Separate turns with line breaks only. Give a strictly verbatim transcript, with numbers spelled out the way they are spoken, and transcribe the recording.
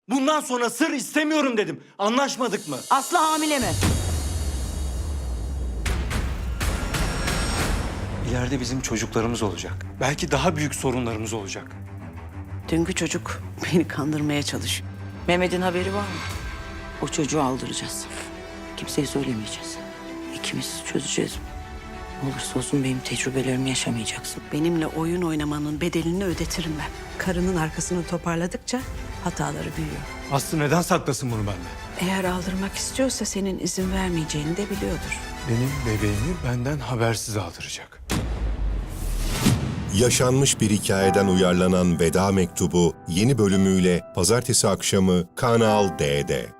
Bundan sonra sır istemiyorum dedim. Anlaşmadık mı?
Aslı hamile mi?
İleride bizim çocuklarımız olacak. Belki daha büyük sorunlarımız olacak.
Dünkü çocuk beni kandırmaya çalışıyor. Mehmet'in haberi var mı? O çocuğu aldıracağız. Kimseye söylemeyeceğiz. İkimiz çözeceğiz. Ne olursa olsun benim tecrübelerimi yaşamayacaksın. Benimle oyun oynamanın bedelini ödetirim ben. Karının arkasını toparladıkça hataları büyüyor.
Aslı neden saklasın bunu benden?
Eğer aldırmak istiyorsa senin izin vermeyeceğini de biliyordur.
Benim bebeğimi benden habersiz aldıracak.
Yaşanmış bir hikayeden uyarlanan Veda Mektubu yeni bölümüyle pazartesi akşamı Kanal D'de.